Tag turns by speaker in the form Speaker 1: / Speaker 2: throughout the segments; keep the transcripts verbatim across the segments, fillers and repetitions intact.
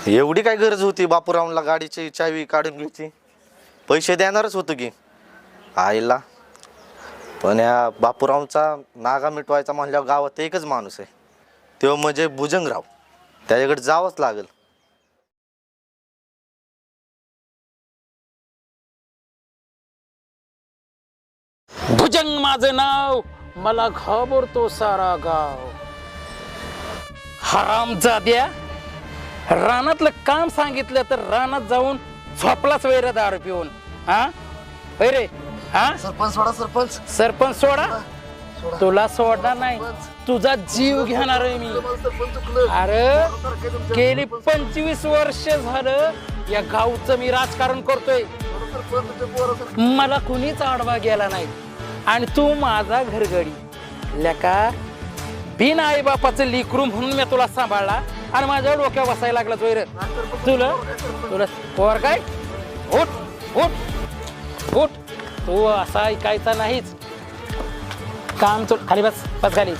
Speaker 1: एवढी काय गरज होती बापूरावला गाडीची चावी काढून घ्यायची? पैसे देणारच होतो की आईला, पण या बापूरावचा नागा मिटवायचा म्हणल्यावर गावात एकच माणूस आहे, तो म्हणजे भुजंगराव. त्याच्याकडे जावंच लागेल.
Speaker 2: भुजंग माझं नाव, मला घाबरतो सारा गाव. हरामजाद्या, रानातलं काम सांगितलं तर रानात जाऊन झोपलाच वैर दारू पिऊन. हा रे हा
Speaker 1: सरपंच सोडा, सरपंच
Speaker 2: सरपंच सोडा. तुला सोडणार नाही, तुझा जीव घेणार आहे मी. अरे गेली पंचवीस वर्ष झालं या गावचं मी राजकारण करतोय, मला कुणीच आडवा गेला नाही. आणि तू माझा घरगडी लेका, बिन आई बापाचं लिकरू म्हणून मी तुला सांभाळला आणि माझ्या डोक्यावर बसायला लागला वैर. तुला तुला पोर काय? उठ उठ उठ, तू असा ऐकायचा नाहीच. काम चुक खाली बस, बस खाली.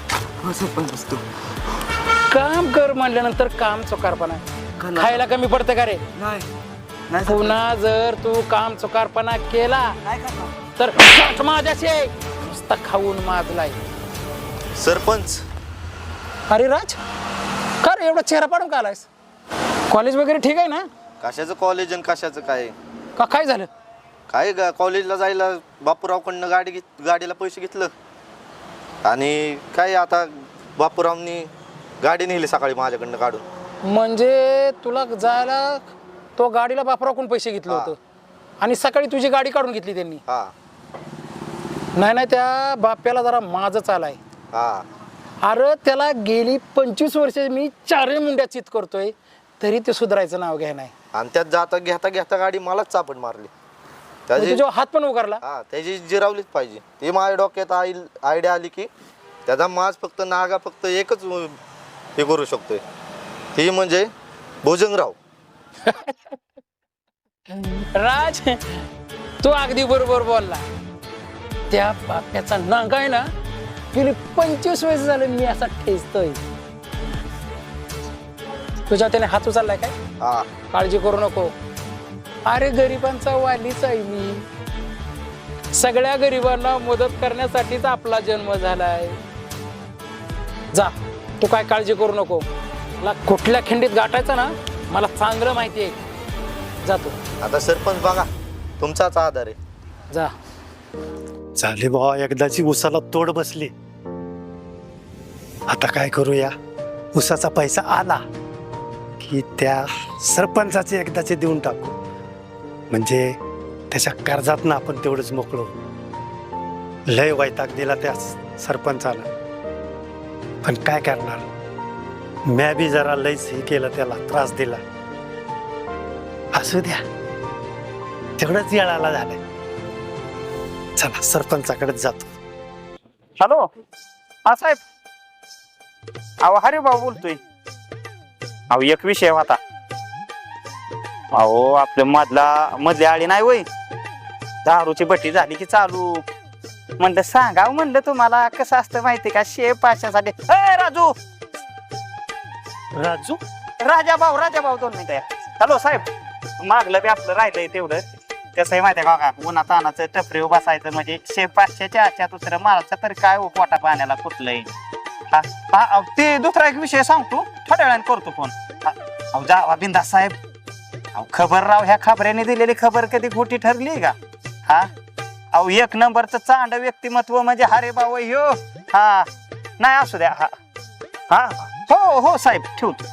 Speaker 2: काम कर म्हणल्यानंतर काम चुकारपणा खायला कमी पडतं का रे? पुन्हा जर तू काम चुकारपणा केला तर माझ्याशी नुसता खाऊन माजलाय.
Speaker 1: सरपंच.
Speaker 2: अरे राज, का रे एवढा चेहरा पाडून का आलायस? कॉलेज वगैरे ठीक आहे ना?
Speaker 1: कशाचं कॉलेज आणि कशाचं काय?
Speaker 2: का काय झालं?
Speaker 1: काय ग, कॉलेजला जायला बापूरावकडनं गाडी घेत गाडीला पैसे घेतलं आणि काय आता बापूरावनी गाडी नेली सकाळी माझ्याकडनं काढून.
Speaker 2: म्हणजे तुला जायला तो गाडीला बापराकडून पैसे घेतलं होतं आणि सकाळी तुझी गाडी काढून घेतली त्यांनी?
Speaker 1: हा.
Speaker 2: नाही नाही, त्या बाप्याला जरा माझच आलाय.
Speaker 1: हा.
Speaker 2: अरे त्याला गेली पंचवीस वर्ष मी चारही मुंड्या चित करतोय तरी ते सुधारायचं नाव घ्या नाही.
Speaker 1: आणि त्यात जाता घेता घेता गाडी मलाच चापट मारली. त्याची
Speaker 2: तुझ्या हात पण उगारला.
Speaker 1: हा, त्याची जिरावलीच पाहिजे. ती माझ्या डोक्यात आई आयडिया आली की त्याचा माज फक्त नागा फक्त एकच हे करू शकतोय, ती म्हणजे भुजंगराव.
Speaker 2: राज, तू अगदी बरोबर बोलला. त्या बाप्याचा नांगा आहे ना, गेली पंचवीस वर्ष झाले मी असा ठेचतोय. तुझ्या त्याने हात उचललाय काय?
Speaker 1: हा.
Speaker 2: काळजी करू नको. अरे गरिबांचा वालीच आहे मी. सगळ्या गरिबांना मदत करण्यासाठीच आपला जन्म झालाय. जा, तू काय काळजी करू नको. मला कुठल्या खिंडीत गाठायचं ना मला चांगलं माहिती आहे. जातो
Speaker 1: आता सरपंच बघा, तुमचाच आधार आहे.
Speaker 2: जा.
Speaker 3: झाले भावा, एकदाची उसाला तोड बसली. आता काय करूया, उसाचा पैसा आला की त्या सरपंचाचे एकदाचे देऊन टाकू, म्हणजे त्याच्या कर्जातनं आपण तेवढंच मोकळो. लय वैताग दिला त्या सरपंचाला, पण काय करणार, म्या बी जरा लयच हे केलं, त्याला त्रास दिला. असू द्या, तेवढंच येळाला झालंय. चला सरपंचाकडेच जातो.
Speaker 4: हॅलो, हा साहेब. अहो हरे भाऊ बोलतोय. अहो एक विषय होता. अहो आपल्या मधला मधली आळी नाही वय, दारूची बट्टी झाली की चालू. म्हणलं सांगाव, म्हणलं तुम्हाला कसं असतं माहिती का, शेप पाचशेसाठी. ए राजू,
Speaker 3: राजू,
Speaker 4: राजा भाऊ राजा भाऊ दोन मिनिटं. हॅलो साहेब, मागलं बी आपलं राहिलंय तेवढं. कसं आहे माहितीये का, उन्हा तानाचं टपरी बसायचं म्हणजे शेप पाचशेच्या आजच्या दुसरं मारायचं तरी काय हो, पोटा पाण्याला कुठलंय. हा, ते दुसरा एक विषय सांगतो, थोड्या वेळाने करतो फोन. अहो जा बिंदास साहेब. अहो खबर राव, ह्या खबऱ्याने दिलेली खबर कधी खोटी ठरली का? हा, अहो एक नंबरचं चांड व्यक्तिमत्व म्हणजे हरे भाऊ ह्यो. हा नाही, असू द्या. हा हा हो हो साहेब, ठेवतो.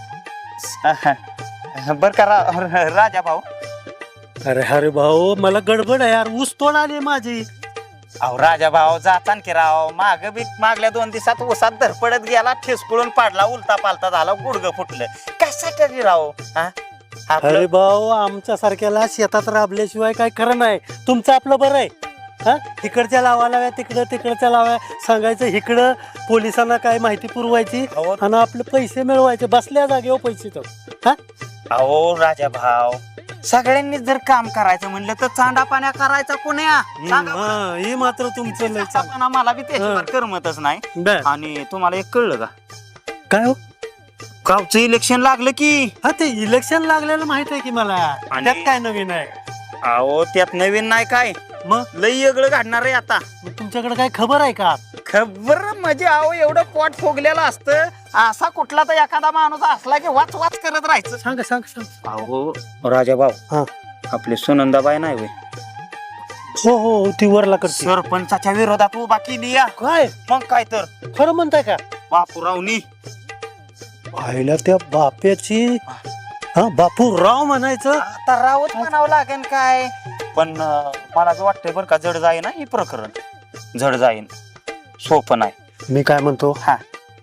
Speaker 4: बर का रा, राजा भाऊ.
Speaker 3: अरे अरे भाऊ, मला गडबड आहे यार, ऊस तोड आली माझी.
Speaker 4: अहो राजा भाऊ जातान की राव, माग बी मागल्या दोन दिवसात ऊसात धरपडत गेला, ठेसकुळून पाडला, उलता पालता झाला, गुडघं फुटलं. कशासाठी राव?
Speaker 3: अरे भाऊ, आमच्या सारख्याला शेतात राबल्याशिवाय काय खरं नाही. तुमचं आपलं बरं आहे. हा, इकडच्या लावा लाव्या, तिकडं तिकडच्या लाव्या सांगायचं, इकडं पोलिसांना काय माहिती पुरवायची आणि आपले पैसे मिळवायचे बसल्या जागेवर पैसे. तो हा,
Speaker 4: अहो राजा भाऊ, सगळ्यांनी जर काम करायचं म्हणलं तर चांडा पाण्या करायचा कोण्या.
Speaker 3: हे मात्र तुमचं
Speaker 4: मला बी त्याच्यावर करमतच नाही. आणि तुम्हाला एक कळलं का?
Speaker 3: काय हो?
Speaker 4: गावचं इलेक्शन लागलं की
Speaker 3: हा ते इलेक्शन लागलेलं माहित आहे की मला
Speaker 4: आणि-
Speaker 3: त्यात काय नवीन आहे
Speaker 4: अहो त्यात नवीन नाही काय
Speaker 3: मग
Speaker 4: लई वेगळं घडणार आहे आता
Speaker 3: मग तुमच्याकडे काय खबर आहे का
Speaker 4: खबर म्हणजे अहो एवढं पोट फुगलेलं असतं असा कुठला तर एखादा माणूस असला की वाच वाच करत राहायचं
Speaker 3: सांग सांग सांग
Speaker 4: अहो राजाभाऊ
Speaker 3: हा
Speaker 4: आपली सुनंदाबाई नाही होय
Speaker 3: हो हो ती वरला करते
Speaker 4: सरपंचाच्या विरोधात उभा केली या
Speaker 3: काय
Speaker 4: मग काय तर
Speaker 3: खरं म्हणताय का
Speaker 4: बापूरावनी
Speaker 3: पाहिलं त्या बाप्याची हा बापू राव म्हणायचं
Speaker 4: आता रावच म्हणावं लागेल काय पण अं, मला असं वाटतंय बरं का जड जाईन ना हे प्रकरण जड जाईन सोपं नाही
Speaker 3: मी काय म्हणतो
Speaker 4: हा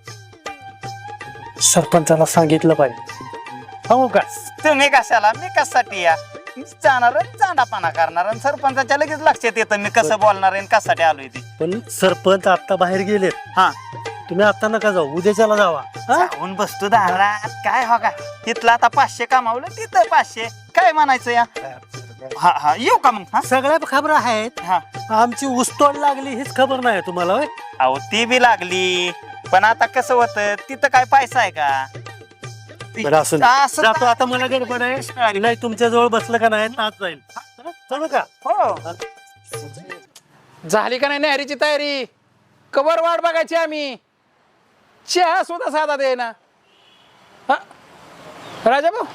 Speaker 3: सरपंचाला सांगितलं पाहिजे हो का
Speaker 4: तुम्ही कशाला मी कशासाठी या मी जाणार चांडापाना करणार आणि सरपंचाच्या लगेच लक्षात येतं मी कसं बोलणार आहे आणि कशासाठी आलोय ते
Speaker 3: पण सरपंच आता बाहेर गेलेत
Speaker 4: हा
Speaker 3: तुम्ही आता नका जाऊ उद्याच्याला जावा हा?
Speaker 4: जाऊन बसतो दारात काय हो का तिथलं आता पाचशे कमावलं तिथं पाचशे काय म्हणायचं या हा हा येऊ का मग हा
Speaker 3: सगळ्या खबर आहेत
Speaker 4: हा
Speaker 3: आमची ऊसतोड लागली हीच खबर नाही तुम्हाला होय?
Speaker 4: अहो ती बी लागली पण आता कसं होतं तिथं काय पैसा आहे का
Speaker 3: बरं, असू दे.
Speaker 4: असं
Speaker 3: जातो आता मला गडबड आहे नाही तुमच्या जवळ बसलं का नाही नाच जाईल हा? चलू का
Speaker 4: हो
Speaker 2: झाली का नाही नहरीची तयारी कवर वाट बघायची आम्ही चहा सुद्धा साधा दे ना हा राजा भाऊ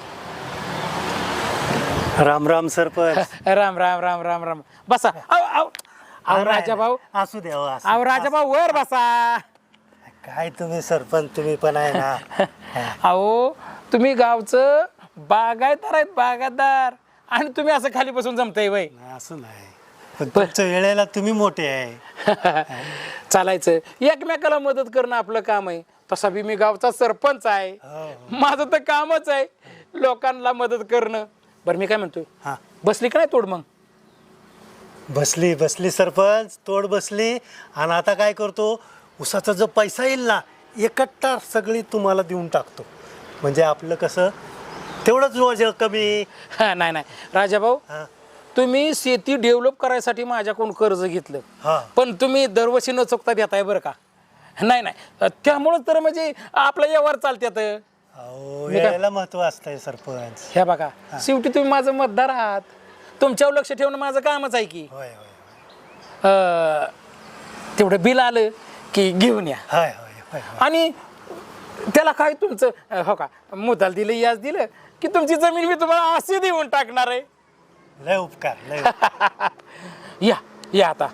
Speaker 3: राम राम सरपंच
Speaker 2: राम राम राम राम राम बसा अहो अहो अहो राजा भाऊ
Speaker 3: असू द्या हो, असू
Speaker 2: अहो
Speaker 3: द्या.
Speaker 2: राजा भाऊ वर बसा
Speaker 3: काय तुम्ही सरपंच तुम्ही पण आहे ना
Speaker 2: अहो तुम्ही गावचं बागायतदार आहेत बागायतदार आणि तुम्ही असं खाली बसून जमताय वय
Speaker 3: नाही, असं नाही पण तुमच्या वेळेला तुम्ही मोठे आहे
Speaker 2: चालायचं एकमेकाला मदत करणं आपलं काम आहे तसा बी मी गावचा सरपंच आहे
Speaker 3: हो,
Speaker 2: माझं तर कामच आहे लोकांना मदत करणं बरं मी काय म्हणतोय
Speaker 3: हा
Speaker 2: बसली का नाही तोड मग
Speaker 3: बसली बसली सरपंच तोड बसली आणि आता काय करतो उसाचा जो पैसा येईल ना एकट्टा सगळी तुम्हाला देऊन टाकतो म्हणजे आपलं कसं तेवढंच रोज कमी
Speaker 2: हा, नाही नाही राजा भाऊ
Speaker 3: हा
Speaker 2: तुम्ही शेती डेव्हलप करायसाठी माझ्याकडून कर्ज घेतलं
Speaker 3: हा
Speaker 2: पण तुम्ही दरवर्षी न चुकता देताय बरं का नाही नाही त्यामुळंच तर म्हणजे आपलं व्यवहार चालत्यात
Speaker 3: अहो
Speaker 2: मी काय-
Speaker 3: वेळेला महत्व असतंय सरपंच
Speaker 2: ह्या बघा शेवटी तुम्ही माझं मतदार आहात तुमच्यावर लक्ष ठेवणं माझं कामच आहे की
Speaker 3: होय होय
Speaker 2: अं, तेवढं बिल आलं की घेऊन या
Speaker 3: होय होय होय होय.
Speaker 2: आणि त्याला काय तुमचं अं, हो का मुद्दाल दिलं याच दिलं की तुमची जमीन मी तुम्हाला अशी देऊन टाकणार आहे
Speaker 3: लय उपकार लय उपकार.
Speaker 2: या या आता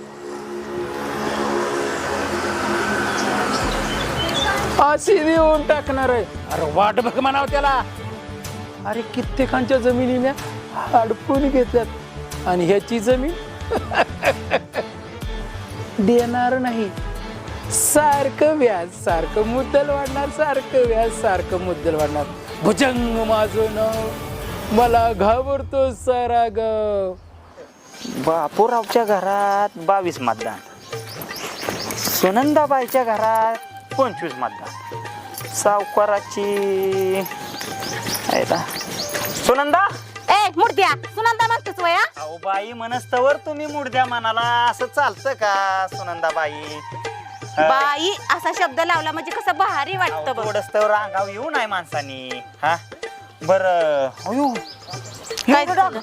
Speaker 2: अशी देऊन टाकणार आहे अरे वाट बघ म्हणाव त्याला अरे कित्येकांच्या जमिनीने हडपून घेतल्यात आणि ह्याची जमीन देणार नाही सारखं व्याज सारखं मुद्दल वाढणार सारखं व्याज सारखं मुद्दल वाढणार भुजंग माझं नाव मला घाबरतो सारा गाव
Speaker 4: बापूरावच्या घरात बावीस मतदान सुनंदाबाईच्या घरात पंचवीस मतदान सावकाराची आहे ना. सुनंदा
Speaker 5: ए मुर्द्या सुनंदा म्हणतेस वया
Speaker 4: अहो बाई मनस्तवर तुम्ही मुडद्या मनाला असं चालतं का सुनंदाबाई
Speaker 5: बाई असा शब्द लावला म्हणजे कसं भारी वाटतं बघ
Speaker 4: थोडस अंगाव येऊ नाही माणसानी हा बर
Speaker 5: काय झालं?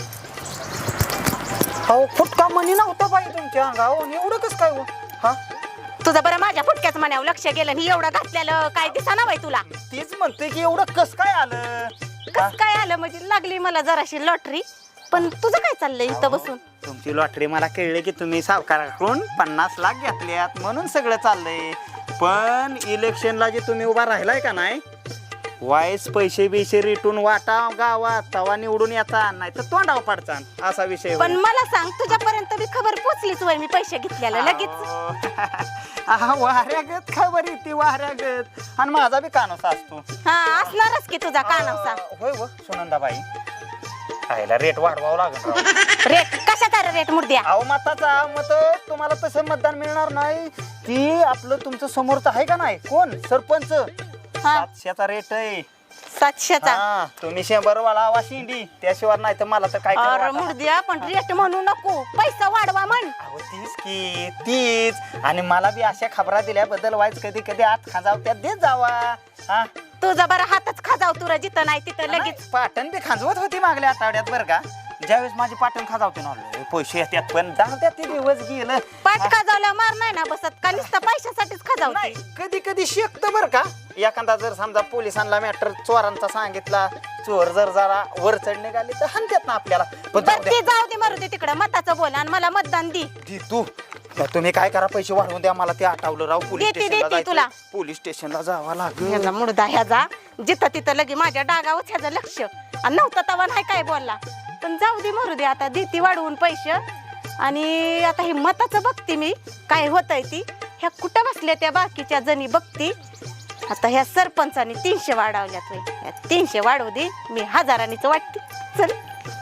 Speaker 4: अहो फुटका मनी नव्हता बाई तुमच्या अंगावर आणि एवढं कस काय हो हा
Speaker 5: तुझं बरं माझ्या फुटक्याच मनावर लक्ष गेलं आणि एवढं घातलेलं काय दिसाना बाई तुला
Speaker 4: तेच म्हणतोय की एवढं कस काय आलं हा?
Speaker 5: कस काय आलं म्हणजे लागली मला जराशी लॉटरी पण तुझं काय चाललंय इथं बसून
Speaker 4: तुमची लॉटरी मला कळले की तुम्ही सावकाराकडून पन्नास लाख घेतल्यात म्हणून सगळं चाललंय पण इलेक्शनला जे तुम्ही उभा राहिलाय का नाही वाईस पैसे बिशे रिटून वाटा गावात तवा निवडून येता नाही तर तोंडाव पाडचा असा विषय
Speaker 5: पण मला सांग तुझ्यापर्यंत बी खबर पोचलीच वय मी पैसे घेतलेलं लगेच
Speaker 4: वाऱ्यागत खबर येते वाऱ्यागत आणि माझा बी कानोसा असतो
Speaker 5: हा असणारच की तुझा कानावसा
Speaker 4: होय हो सुनंदाबाई खायला रेट वाढवावं लागेल राव.
Speaker 5: रेट कशाचा रे रेट मुर्द्या
Speaker 4: अहो मताचा मत तुम्हाला तसं मतदान मिळणार नाही ती आपलं तुमचं समोरचं आहे का नाही कोण सरपंच
Speaker 5: हा
Speaker 4: सातशेचा रेट आहे
Speaker 5: सातशेचा
Speaker 4: हा तुम्ही शंभर वाला हवा शिंडी त्याशिवाय नाही तर मला तर काय करावं
Speaker 5: अरे
Speaker 4: वाटेना.
Speaker 5: मुर्द्या पण रेट म्हणू नको पैसा वाढवा म्हण
Speaker 4: अहो तीच की तीच आणि मला बी अशा खबरा दिल्याबद्दल वाईच कधी कधी आत खाजाव त्यात देत जावा हा
Speaker 5: तुझा बरं हातच खाजाव तुला जिथं नाही तिथं लगेच
Speaker 4: लगेच पाटण बी खांजवत होती मागल्या आठवड्यात बरं का. ज्यावेळेस माझी पाटण खाजावते ना लय पैसे येतात पण जाऊ द्या ते दिवस गेलं.
Speaker 5: पाठ खाजावला मार नाही ना बसत का नुसतं पैशासाठीच खाजावते.
Speaker 4: नाही कधी कधी शेकत बर का. एखादा जर समजा पोलिसांना मॅटर चोरांचा सांगितला, चोर जर जरा वर चढ निघाली तर हाणतात ना आपल्याला. पण जाऊ
Speaker 5: बरं
Speaker 4: द्या.
Speaker 5: ते जाऊ दे मारू दे तिकडं मताचं बोल आणि मला मतदान दे.
Speaker 4: दी तू तर तुम्ही काय करा, पैसे वाढवून द्या मला. ते आठवलं राव, पोलीस
Speaker 5: देते,
Speaker 4: स्टेशनला
Speaker 5: देते तुला.
Speaker 4: जायचं. पोलीस स्टेशनला जावं लागेल.
Speaker 5: ह्याचा मुडदा ह्याचा जिथं तिथं लगे माझ्या डागावच ह्याचं लक्ष आणि नव्हतं तवा नाही काय बोलला. पण जाऊ दे मारू दे आता देते वाढवून पैसे. आणि आता हे मताचं बघते मी काय होतंय ती. ह्या कुठं बसल्या त्या बाकीच्या जणी बघती. आता ह्या सरपंचाने तीनशे वाढवल्यात बाई. ह्या तीनशे वाढवू दे मी हजारांनीच वाटते. चल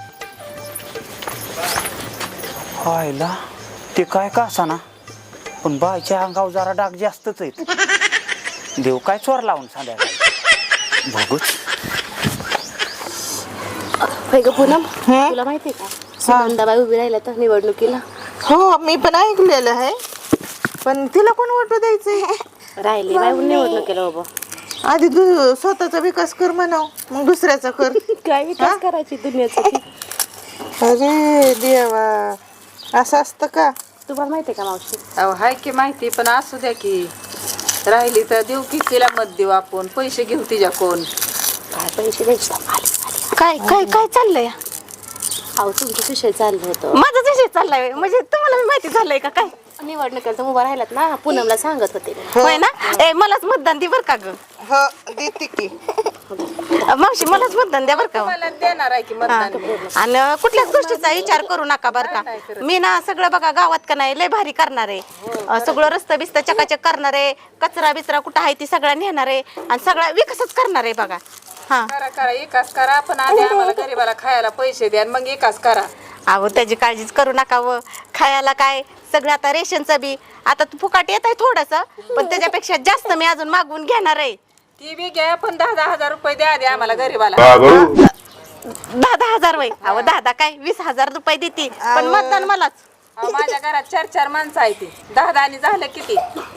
Speaker 4: व्हायला ते काय का असा ना पण बायच्या अंगावर जरा डाग जास्तच आहेत. देव काय चोर लावून संध्याकाळी बघूच.
Speaker 6: होय ग पूनम, तुला माहितीये का सुनंदाबाई उभी राहिल्या तर निवडणुकीला.
Speaker 7: हो मी पण ऐकलेलं आहे, पण तिला कोण वोट द्यायचंय?
Speaker 6: राहिली बाई निवडणुकीला बाबा.
Speaker 7: आधी तू स्वतःचा विकास कर म्हणाव, मग दुसऱ्याचा कर.
Speaker 6: काय विकास करायची दुनियाचा.
Speaker 7: अरे देवा, असं असतं का?
Speaker 6: तुम्हाला माहितीये का मावशी?
Speaker 8: अहो हाय की माहिती, पण असू द्या की. राहिली तर देऊ की तिला मत देऊ आपण. पैसे घेऊ तिच्या कोण.
Speaker 6: काय पैसे द्यायचे?
Speaker 5: काय काय काय चाललंय?
Speaker 6: अहो तुमचा विषय चाललं होतं.
Speaker 5: माझाच विषय चाललाय म्हणजे तुम्हाला बी माहिती झालंय का काय?
Speaker 6: निवडणुकीला तर उभा राहिलात ना, पूनमला सांगत होते.
Speaker 5: होय ना. ए मलाच मतदान दे बर का ग.
Speaker 7: हो देते की.
Speaker 5: मावशी मलाच मतदान द्या बर का.
Speaker 8: मला देणार आहे की मतदान.
Speaker 5: आणि कुठल्याच गोष्टीचा विचार करू नका बर का. मी ना सगळं बघा गावात का नाही लय भारी करणार आहे. अं, सगळं रस्ता बिस्ता चकाचक करणार आहे. कचरा बिचरा कुठं आहे ती सगळा नेणार आहे आणि सगळा विकासच करणार आहे बघा. हा
Speaker 8: करा करा विकास करा, पण आधी आम्हाला गरीबाला खायला पैसे द्या आणि मग विकास करा.
Speaker 5: अहो त्याची काळजीच करू नका व. खायला काय सगळं आता रेशनचं बी आता तू फुकाट येत आहे थोडस, पण त्याच्यापेक्षा जास्त मी अजून मागवून घेणार आहे.
Speaker 8: ती बी घ्या, पण दहा दहा हजार रुपये द्या आधी आम्हाला गरीबाला.
Speaker 5: दहा दहा हजार वय. अहो दहा दहा काय वीस हजार रुपये देते, पण मतदान मलाच.
Speaker 8: अहो, माझ्या घरात चार चार माणसं आहे ती. दहा दहा झालं किती.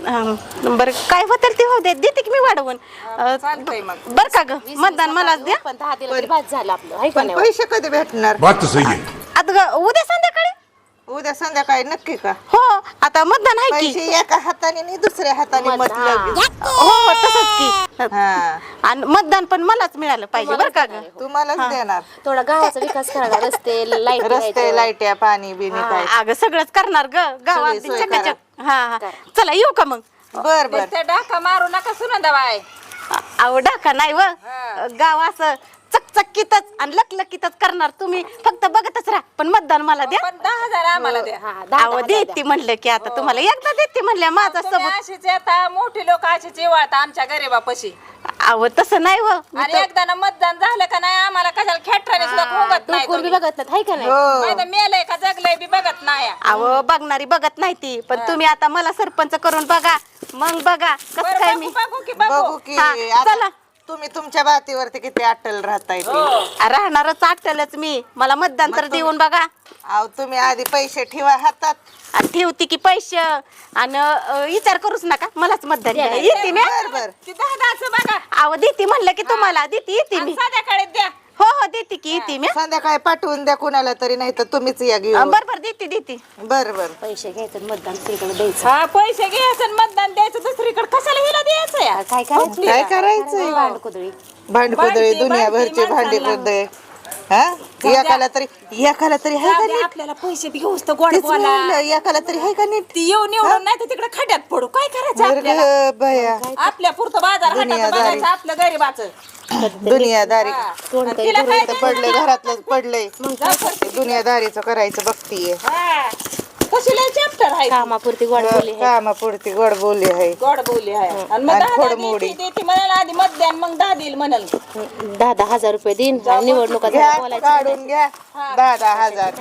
Speaker 5: अं, बरं काय होतं ते हो दे देते की मी वाढवून. अं,
Speaker 8: चालतंय मग.
Speaker 5: बर का ग मतदान मलाच द्या.
Speaker 6: पण दहा दिला तरी बाद झालं आपलं, हाय का
Speaker 7: पण
Speaker 6: नाही?
Speaker 7: पैसे कधी भेटणार?
Speaker 9: बात तो सही है.
Speaker 5: आता ग- उद्या संध्याकाळी.
Speaker 7: उद्या संध्याकाळी नक्की का?
Speaker 5: हो आता मतदान आहे की.
Speaker 7: पैसे एका हाताने आणि दुसऱ्या हाताने मतलब.
Speaker 5: हो हो तसंच की.
Speaker 7: हा
Speaker 5: आणि मतदान पण मलाच मिळालं पाहिजे बर का ग.
Speaker 7: तुम्हालाच देणार.
Speaker 6: थोडा गावाचा विकास करा, रस्ते लाईट
Speaker 7: रस्ते लाईट्या पाणी बिनी काय.
Speaker 5: अगं सगळंच करणार ग गावात
Speaker 7: सगळी सोय
Speaker 5: चकाचक. हा हा चला येऊ का मग.
Speaker 7: बर बर.
Speaker 8: त्या डाका मारू नका सुनंदाबाई.
Speaker 5: अहो डाका नाही व गाव असं चकचकीतच आणि लकलकीतच करणार. तुम्ही फक्त बघतच राहा, पण मतदान मला द्या.
Speaker 8: पण दहा हजार आम्हाला द्या.
Speaker 6: हा, दहा-
Speaker 5: अहो देते म्हणलं की आता तुम्हाला एकदा देते म्हणल्या माझा
Speaker 8: तुम्ही
Speaker 5: सबूत.
Speaker 8: अशीच येता, मोठी लोक अशीच येवाळता आमच्या गरीबापाशी.
Speaker 5: अहो तसं नाही व.
Speaker 8: आणि एकदा ना मतदान झालं का नाही आम्हाला कशाला खेटराने सुद्धा खोगत नाही
Speaker 6: कोण बी
Speaker 8: तुम्ही.
Speaker 6: बघत नाही, हाय का नाही?
Speaker 8: नाही तर मेलंय का जगलंय बी बघत नाही.
Speaker 5: अहो बघणारी बघत नाही ती, पण तुम्ही आता मला सरपंच करून बघा, मग बघा कसं
Speaker 8: बरं,
Speaker 5: काय
Speaker 8: बघू
Speaker 5: मी.
Speaker 8: बघू की
Speaker 7: बघू
Speaker 8: बघू.
Speaker 7: की
Speaker 5: हा,
Speaker 7: आता
Speaker 5: चला.
Speaker 7: तुम्ही तुमच्या बातीवरती किती अट्टल राहताय ते.
Speaker 5: राहणारच आटलच मी. मला मतदान तर देऊन बघा.
Speaker 7: अहो तुम्ही आधी पैसे ठेवा हातात.
Speaker 5: आणि ठेवते की पैसे आणि अं, विचार करूच नका मलाच मतदान द्या. येते मी.
Speaker 7: बर बर.
Speaker 8: ती दहा दहाचं बघा.
Speaker 5: अहो देते म्हणलं की तुम्हाला देते येते मी.
Speaker 8: आणि संध्याकाळी द्या.
Speaker 5: हो हो देते की येते मी.
Speaker 7: संध्याकाळी पाठवून द्या कुणाला तरी, नाही तर तुम्हीच या घेऊन.
Speaker 5: बर बर देते देते.
Speaker 7: बर बर.
Speaker 6: पैसे घ्यायचं मतदान तिकडे द्यायचं.
Speaker 8: हा पैसे घ्यायचं आणि मतदान द्यायचं दुसरीकडे. कशाला हिला द्यायचं या?
Speaker 6: काय करायचं?
Speaker 7: काय करायचंय?
Speaker 6: भांडकुदळी.
Speaker 7: भांडकुदळे
Speaker 8: भांडती,
Speaker 7: दुनियाभरचे
Speaker 8: भांडती
Speaker 7: भांडे कुदळे. हा एकाला तरी एकाला तरी आहे का
Speaker 8: जाऊ दे,
Speaker 7: नीट?
Speaker 8: आपल्याला पैसे बी घेऊस तर गोड
Speaker 7: तेच
Speaker 8: बोला.
Speaker 7: म्हणलं, एकाला तरी आहे का नीट?
Speaker 8: ती येऊन निवडून नाही तर तिकडे खड्यात पडू. काय करायचं
Speaker 7: बरं
Speaker 8: आपल्याला?
Speaker 7: ग बया.
Speaker 8: आपल्या पुरतं बाजार हाटात
Speaker 7: दुनियादारी.
Speaker 8: बघायचं आपलं गरीबाचं.
Speaker 7: दुनियादारी
Speaker 6: कोणतरी
Speaker 8: तिला काय
Speaker 7: इथं पडलंय, घरातलं पडलंय. दुनियादारीचं करायचं बघतीये.
Speaker 8: हा. कशी लय चॅप्टर आहे ती.
Speaker 6: कामापुरती गोड बोली आहे.
Speaker 7: कामापुरती गोड बोली आहे.
Speaker 8: गोड बोली आहे. आणि मग
Speaker 7: आणि
Speaker 8: दहा
Speaker 7: खोडमोडी.
Speaker 8: दहा देते म्हणाला आधी मत द्या आणि मग दहा देईल म्हणाल.
Speaker 6: दहा दहा हजार रुपये देईन आणि निवडणुका
Speaker 7: घ्या
Speaker 6: झाल्या बोलायचं.
Speaker 7: काढून घ्या दहा दहा हजार.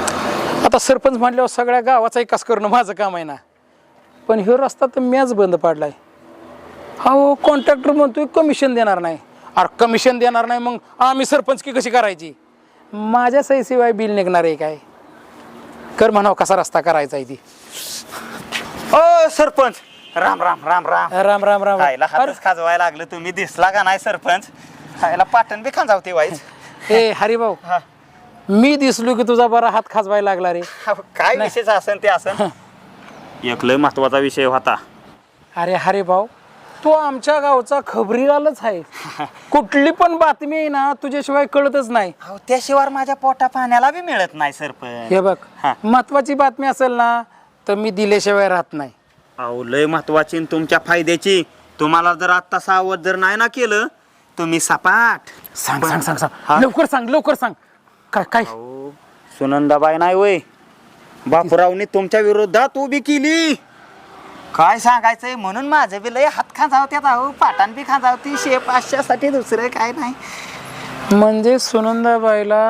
Speaker 2: आता सरपंच म्हणल्यावर सगळ्या गावाचा विकास करणं माझं काम आहे ना. पण ह्यो रस्ता तर मॅच बंद पाडलाय. हो कॉन्ट्रॅक्टर म्हणतोय कमिशन देणार नाही. अरे कमिशन देणार नाही मग आम्ही सरपंच की कशी करायची? माझ्या सहीशिवाय बिल निघणार आहे काय? कर म्हणावं कसा रस्ता करायचा आहे ती.
Speaker 4: ओ सरपंच राम राम राम राम
Speaker 2: राम राम राम
Speaker 4: खायला
Speaker 2: अरे,
Speaker 4: हातच खाजवायला लागलं तुम्ही दिसला का नाही सरपंच खायला पाटण बी खांजावते वाईच
Speaker 2: ए हरिभाऊ
Speaker 4: हा.
Speaker 2: मी दिसलो की तुझा बरा हात खाजवायला लागला रे
Speaker 4: काय विषयच असन ते असन एक लय महत्वाचा विषय होता.
Speaker 2: अरे हरिभाऊ तू आमच्या गावचा खबरीलालच आहे कुठली पण बातमी आहे ना तुझ्याशिवाय कळतच नाही.
Speaker 4: अहो त्याशिवाय माझ्या पोटा पाण्याला बी मिळत नाही सरपंच.
Speaker 2: हे बघ
Speaker 4: हा.
Speaker 2: महत्वाची बातमी असेल ना तर मी दिल्याशिवाय राहत नाही.
Speaker 4: अहो लय महत्वाची न तुमच्या फायद्याची. तुम्हाला जर आता सावध जर नाही ना केलं तुम्ही सपाट.
Speaker 2: सांग सांग सांग सांग लवकर सांग लवकर सांग काय काय
Speaker 4: अहो सुनंदाबाई नाही वय बापूरावनी तुमच्या विरोधात उभी केली. काय सांगायचंय म्हणून माझं बी लय हात खांजावत्यात. अहो पाटान बी खांजावती शेप आशासाठी दुसरं काय नाही.
Speaker 2: म्हणजे सुनंदाबाईला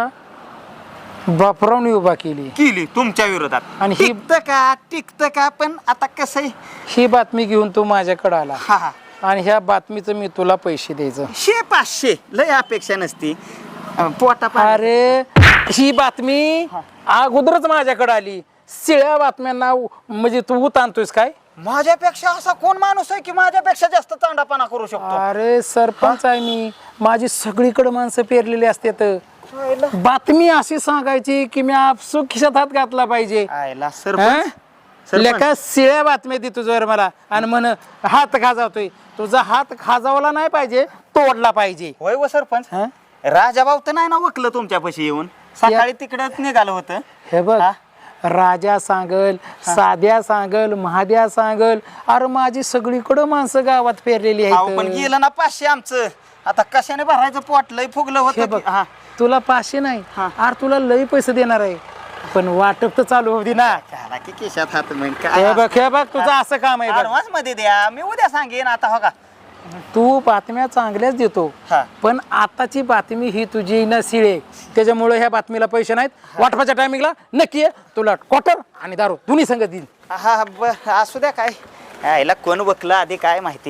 Speaker 2: बापरावनी उभा केली
Speaker 4: केली तुमच्या विरोधात.
Speaker 2: आणि ही-
Speaker 4: टिकतं का टिकतं का पण आता कसं आहे
Speaker 2: ही बातमी घेऊन तू माझ्याकडे आला
Speaker 4: हा हा
Speaker 2: आणि ह्या बातमीचं मी तुला पैसे द्यायचं.
Speaker 4: शे पाचशे लय अपेक्षा नसती. अं, पोटा पाण्या-
Speaker 2: अरे ही बातमी अगोदरच माझ्याकडे आली. शिळ्या बातम्यांना उ- म्हणजे तू उतानतोयस काय?
Speaker 4: माझ्यापेक्षा असा कोण माणूस आहे की माझ्यापेक्षा जास्त चांडापणा करू शकतो.
Speaker 2: अरे सरपंच आहे मी. माझी सगळीकडे माणसं पेरलेली असतात. बातमी अशी सांगायची की मी आपसूक खिशात हात घातला पाहिजे.
Speaker 4: आयला
Speaker 2: हं?
Speaker 4: सरपंच सरपंच.
Speaker 2: लेका शिळ्या बातम्या दे तुझ्यावर मला आणि म्हण हात खाजावतोय. तुझा हात खाजावला नाही पाहिजे तोडला पाहिजे.
Speaker 4: होय व सरपंच
Speaker 2: हं?
Speaker 4: राजाभाऊ तर नाही ना वकलं तुमच्यापाशी येऊन सकाळी तिकडच निघालं होतं.
Speaker 2: हे बघ
Speaker 4: हा?
Speaker 2: राजा सांगल साध्या सांगल महाद्या सांगल अरे माझी सगळीकडं माणसं गावात पेरलेली
Speaker 4: अहो, पण
Speaker 2: आहेत.
Speaker 4: गेलं ना पाचशे आमचं. आता कशाने भरायचं पोट लय फुगलं
Speaker 2: हे
Speaker 4: होतं
Speaker 2: बघ
Speaker 4: की- हा.
Speaker 2: तुला पाचशे नाही
Speaker 4: हा.
Speaker 2: अरे तुला लई पैसे देणार आहे पण वाटप तर चालू होती ना.
Speaker 4: घाला की केशात हात मग
Speaker 2: हे
Speaker 4: काय
Speaker 2: बघ हे बघ तुझं असं काम आहे बघ.
Speaker 4: ऍडव्हान्स मध्ये द्या मी उद्या सांगेन. आता हो का
Speaker 2: तू बातम्या चांगल्याच देतो
Speaker 4: हा.
Speaker 2: पण आताची बातमी ही तुझी ना शिळे त्याच्यामुळे ह्या बातमीला पैसे नाहीत. वाटपाच्या टायमिंगला नक्की आहे तुला क्वार्टर आणि दारू दोन्ही संगत देईल.
Speaker 4: हा ब- असू द्या काय यायला कोण वकलं आधी काय माहिती.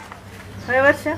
Speaker 7: होय वर्षा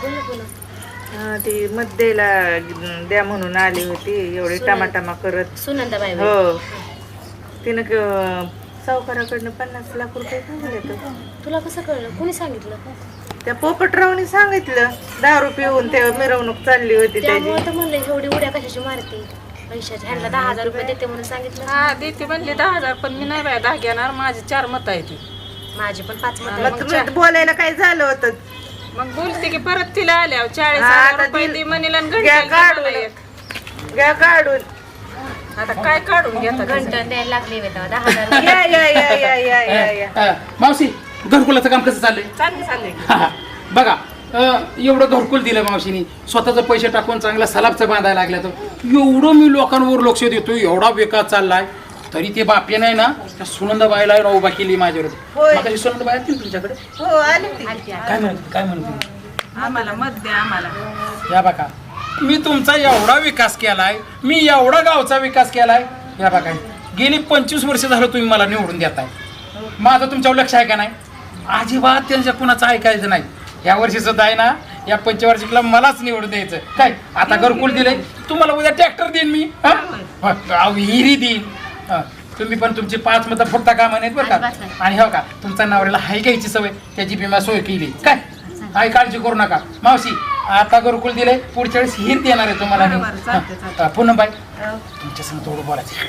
Speaker 7: हा, ती मध्येला द्या म्हणून आली होती एवढी टमाटामा करत.
Speaker 6: सुनंदाबाई
Speaker 7: हो तिनं क- सावकाराकडनं पन्नास लाख रुपये सांगितले तर
Speaker 6: तुला कसं कळलं कोणी सांगितलं?
Speaker 7: त्या पोपटरावने सांगितलं दारू पिऊन ते मिरवणूक चालली होती त्याची.
Speaker 6: त्यामुळे तर म्हणलं एवढी उड्या कशाची मारते पैशाची. ह्यांना दहा हजार रुपये देते म्हणून सांगितलं.
Speaker 8: हा देते म्हणली दहा हजार पण मी नाही बाय दहा घेणार. माझी चार मत आहे ती.
Speaker 6: माझी पण पाच मत
Speaker 7: मग तुम्ही बोलायला काय झालं होतं?
Speaker 8: मग बोलते की परत तिला आल्यावर चाळीस
Speaker 7: हा,
Speaker 8: हजार
Speaker 7: आता
Speaker 8: रुपये
Speaker 7: ती-
Speaker 8: दे म्हणेल आणि
Speaker 7: घ्या
Speaker 8: घंटा घ्या मला
Speaker 7: काढून
Speaker 8: एक.
Speaker 7: घ्या काढून
Speaker 8: आता काय काढून घेतात
Speaker 6: घंटा द्यायला लागले होते दहा हजार.
Speaker 7: या या या या या या या
Speaker 2: अ, मावशी घरकुलाचं काम कसं चाललंय?
Speaker 8: चालले चालले
Speaker 2: हा, हा. बघा अ, एवढं घरकुल दिलं मावशीनी स्वतःचं पैसे टाकून चांगला सलाबचं बांधायला लागल्या तर एवढं मी लोकांवर लक्ष देतो एवढा विकास चाललाय तरी ते बापे नाही ना त्या सुनंदाबाईला आहे ना उभा केली माझ्यावर.
Speaker 7: होय.
Speaker 2: मगाशी सुनंदाबाई आली ना तुमच्याकडे
Speaker 7: हो आली ती.
Speaker 2: काय म्हणते काय म्हणते
Speaker 8: आम्हाला मत द्या आम्हाला.
Speaker 2: या बघा मी तुमचा एवढा विकास केलाय मी एवढा गावचा विकास केलाय. या बघा गेली पंचवीस वर्ष झालं तुम्ही मला निवडून देताय. माझं तुमच्यावर लक्ष आहे का नाही? अजिबात त्यांच्या कुणाचं ऐकायचं नाही. या वर्षी सुद्धा आहे ना या पंचवार्षिकला मलाच निवडून द्यायचं. काय आता घरकुल दिले तुम्हाला उद्या ट्रॅक्टर देईन मी. हा? अहो, हिरी देईन. हा. तुम्ही पण तुमची पाच मतं फुटता का म्हणत बरं का. आणि हो का तुमचा नवऱ्याला हाय घ्यायची सवय त्याची विमा सोय केली काय. काय काळजी करू नका मावशी. आता घरकुल दिले पुढच्या वेळेस हिर देणार आहे तुम्हाला मी. हा. पुन्हा बाई तुमच्या संग थोडं बोलायचं.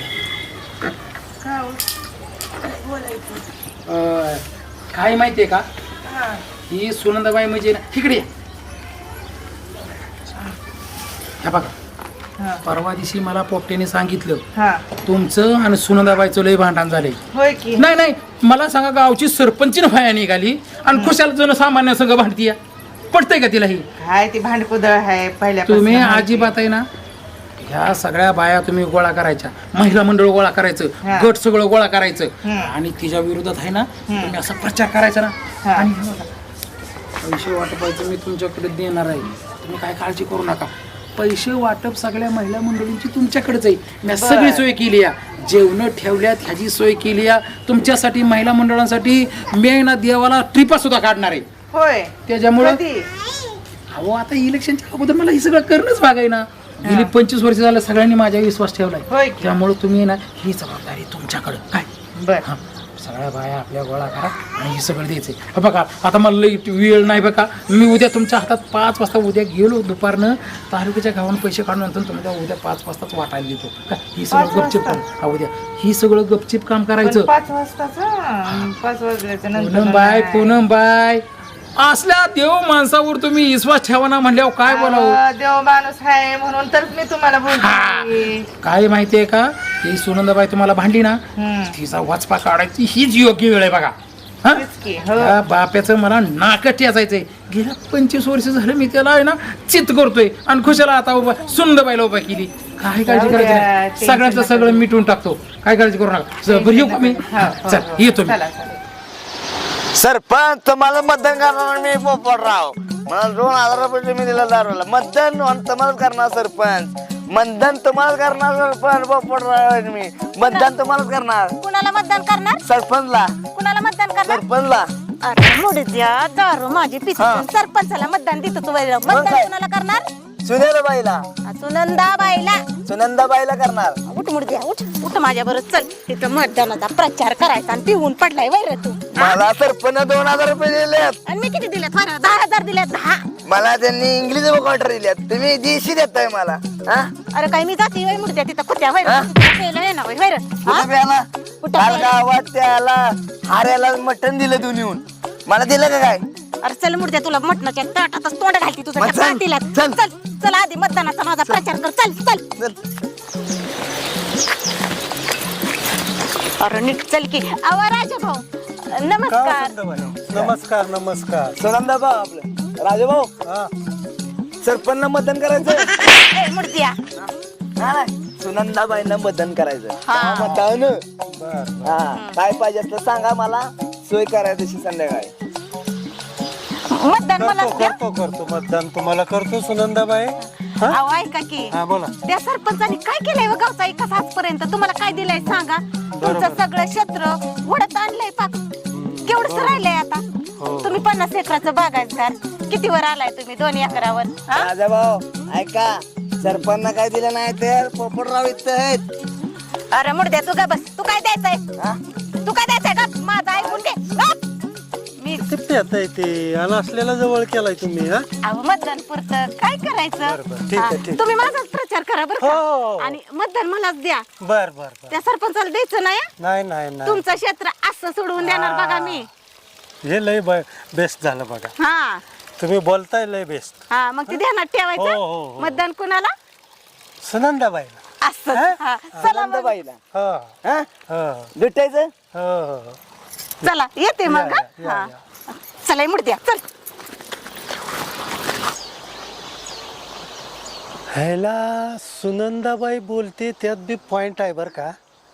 Speaker 2: अं, काय माहितीये का ही सुनंदाबाई म्हणजे ना तिकडे या. ह्या बघा परवा दिवशी मला पोपट्याने सांगितलं
Speaker 7: हा
Speaker 2: तुमचं आणि सुनंदाबाईचं लय भांडण झालंय.
Speaker 7: होय की
Speaker 2: नाही नाही मला सांगा गावची सरपंचीन फाया निघाली आणि खुशाल जण सामान्य संघ भांडतीया पडतंय का तिला ही?
Speaker 7: हाय ती भांडकुदळ आहे पहिल्या
Speaker 2: तुम्ही अजिबात आहे ना ह्या सगळ्या बाया तुम्ही गोळा करायच्या महिला मंडळ गोळा करायचं
Speaker 7: हा.
Speaker 2: गट सगळं गोळा करायचं
Speaker 7: हम्म.
Speaker 2: आणि तिच्या विरोधात आहे ना तुम्ही असा प्रचार करायचा ना.
Speaker 7: हा.
Speaker 2: आणि हे बघा, पैसे वाटपायचं मी तुमच्याकडे देणार आहे. तुम्ही काय काळजी करू नका. पैसे वाटप सगळ्या महिला मंडळींची तुमच्याकडेच आहे. मी सगळी सोय केली आहे. जेवण ठेवल्यात ह्याची सोय केली आहे तुमच्यासाठी महिला मंडळांसाठी. मी आहे ना देवाला ट्रिपा सुद्धा काढणार आहे.
Speaker 7: होय
Speaker 2: त्याच्यामुळं
Speaker 7: कधी?
Speaker 2: अहो आता इलेक्शनच्या अगोदर मला हे सगळं करणंच भाग आहे ना. गेली पंचवीस वर्ष झालं सगळ्यांनी माझ्यावर विश्वास ठेवलाय.
Speaker 7: होय की?
Speaker 2: त्यामुळे तुम्ही ना ही जबाबदारी तुमच्याकडं काय
Speaker 7: बर
Speaker 2: हा सगळ्या बाया आपल्या गोळा करा आणि हे सगळं द्यायचं आहे. बघा आता मला लई वेळ नाही बघा, मी उद्या तुमच्या हातात पाच वाजता उद्या गेलो दुपारनं तालुक्याच्या गावानं पैसे काढून नंतर तुम्हाला उद्या पाच वाजताच वाटायला देतो का ही सगळं गपचिप काम हा उद्या ही सगळं गपचिप काम करायचं.
Speaker 7: पाच वाजताच पाच वाजल्याच्या नंतर
Speaker 2: पूनम बाय पूनम बाय असल्या देव माणसावर तुम्ही विश्वास ठेवा ना म्हणल्यावर काय बोलावं.
Speaker 7: अं, देव माणूस आहे म्हणून तर मी तुम्हाला बोलते.
Speaker 2: काय माहितीये का ही सुनंदाबाई तुम्हाला भांडली ना
Speaker 7: हम्म.
Speaker 2: तिचा वाचपा काढायची हीच योग्य वेळ आहे बघा. हा?
Speaker 7: तेच की, हो.
Speaker 2: त्या बाप्याचं मला नाकट याचायचंय. गेल्या पंचवीस वर्ष झालं मी त्याला आहे ना चित करतोय आणि खुशाला आता उभा सुंदरबाईला उभा केली. काय काळजी
Speaker 7: जाऊ द्या,
Speaker 2: करायची नाही.
Speaker 7: टेन्शन
Speaker 2: सगळ्याचं
Speaker 7: नका
Speaker 2: सगळं मिटवून टाकतो. काय काळजी करू नका. चल, बरं येऊ का मी
Speaker 7: हो, हो,
Speaker 2: चल
Speaker 7: हो.
Speaker 2: येतो मी.
Speaker 7: चला, चला.
Speaker 1: सरपंच तुम्हाला मतदान करणार मी पोपटराव. मला दोन हजार रुपये तुम्ही दिला दारूला. मतदान तुम्हाला करणार सरपंच. मतदान तुम्हाला करणार सरपंच पोपटराव आहे मी. मतदान तुम्हालाच करणार.
Speaker 5: कुणाला मतदान करणार?
Speaker 1: सरपंचला
Speaker 5: कुणाला मतदान करणार?
Speaker 1: सरपंचला.
Speaker 5: अरे मुडी द्या दारू माझी पिती
Speaker 1: हा.
Speaker 5: सरपंचाला मतदान देतो तू वैर. मतदान
Speaker 1: काय?
Speaker 5: कुणाला करणार?
Speaker 1: सुनेला बाईला
Speaker 5: सुनंदा बाईला.
Speaker 1: सुनंदा बाईला करणार.
Speaker 5: उठ मुडी द्या उठ उठ माझ्या बरोबर चल तिथं मतदानाचा प्रचार करायचा आणि पिऊन पडलाय वैर तू.
Speaker 1: मला सरपंच दोन हजार रुपये दिले.
Speaker 5: आणि मी किती दिले फार दहा हजार दिले दहा.
Speaker 1: मला त्यांनी इंग्लिश क्वार्टर दिल्यात. तुम्ही देशी देताय मला. हा?
Speaker 5: अरे काय मी जाते वय मुडी द्या तिथं कुत्या वैर
Speaker 1: हा?
Speaker 5: ना वैर.
Speaker 1: कुठं प्याला?
Speaker 5: कुठं
Speaker 1: काल
Speaker 5: प्याला?
Speaker 1: गावात त्याला हाऱ्याला मटण दिलं दोन येऊन. मला दिलं का काय?
Speaker 5: अरे चल मुडी द्या तुला मटणाच्या ताटातच तोंड घालती तुझं
Speaker 1: मग
Speaker 5: त्या
Speaker 1: चल,
Speaker 5: पाटीला.
Speaker 1: चल.
Speaker 5: चल चल आधी मतदानाचा माझा प्रचार कर चल चल.
Speaker 1: चल.
Speaker 5: अरे नीट चल की. अवा राजा भाऊ नमस्कार.
Speaker 3: नमस्कार नमस्कार.
Speaker 1: सुनंदा भाऊ आपलं राजा भाऊ सरपंच मतदान करायचं.
Speaker 5: ए, मुडद्या
Speaker 1: सुनंदाबाईंना मतदान करायचं.
Speaker 5: हा.
Speaker 1: मतान हा काय पाहिजे असलं सांगा मला. सोय करायची तशी संध्याकाळी.
Speaker 5: मतदान मला
Speaker 3: करतो करतो करतो मतदान तुम्हाला करतो सुनंदाबाई.
Speaker 5: अहो ऐका की
Speaker 3: हा बोला.
Speaker 5: त्या सरपंचानी काय केलंय व गावचा विकास आजपर्यंत तुम्हाला काय दिलंय सांगा. तुमचं सगळं क्षेत्र वडत आणलंय पाक. केवढंच राहिलंय आता. तुम्ही पन्नास एकराचं बागायतदार कितीवर आलाय तुम्ही दोन एकरावर. हा?
Speaker 1: राजा भाऊ ऐका सरपंच काय दिलं नाही तर पोपटराव इथं आहेत.
Speaker 5: अरे मुडद्या तू का बस. तू काय द्यायचंय
Speaker 1: हा?
Speaker 5: तू काय द्यायचंय का माझं ऐकून घे. गप. मी
Speaker 3: किती आता येते आणि असलेला जवळ केलाय तुम्ही. हा
Speaker 5: अहो मतदान पुरतं काय करायचं.
Speaker 3: बरं, ठीक आहे,
Speaker 5: हा,
Speaker 3: ठीक.
Speaker 5: तुम्ही माझाच प्रचार करा बरं
Speaker 3: हो.
Speaker 5: का. आणि मतदान मलाच द्या.
Speaker 3: बर बर बर.
Speaker 5: त्या सरपंचाला द्यायचं नाही हं?
Speaker 3: नाही नाही नाही
Speaker 5: तुमचं क्षेत्र असं सोडवून देणार बघा मी.
Speaker 3: हे लय बेस्ट झालं बघा.
Speaker 5: हा
Speaker 3: तुम्ही बोलताय लय बेस्ट.
Speaker 5: हा मग ते ध्यानात
Speaker 3: हो, हो,
Speaker 5: ठेवायचं.
Speaker 3: हो.
Speaker 5: मतदान कुणाला
Speaker 3: सुनंदाबाईला.
Speaker 5: असं.
Speaker 3: हा?
Speaker 5: हा. चला मग.
Speaker 1: सुनंदाबाईला
Speaker 3: हो
Speaker 1: हा
Speaker 3: हो
Speaker 1: भेटायचं.
Speaker 3: हो हो.
Speaker 5: चला येते मग
Speaker 3: या,
Speaker 5: हं?
Speaker 3: या,
Speaker 5: हा.
Speaker 3: या.
Speaker 5: चला मुडद्या चल.
Speaker 3: ह्याला सुनंदाबाई बोलते त्यात बी पॉइंट आहे बर का.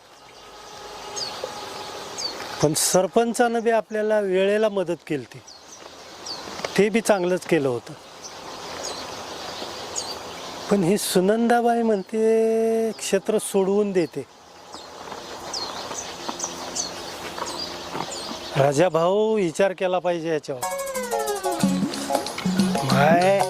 Speaker 3: पण सरपंचानं बी आपल्याला वेळेला मदत केली ती ते बी चांगलंच केलं होतं. पण ही सुनंदाबाई म्हणते क्षेत्र सोडवून देते. राजा भाऊ विचार केला पाहिजे याच्यावर. काय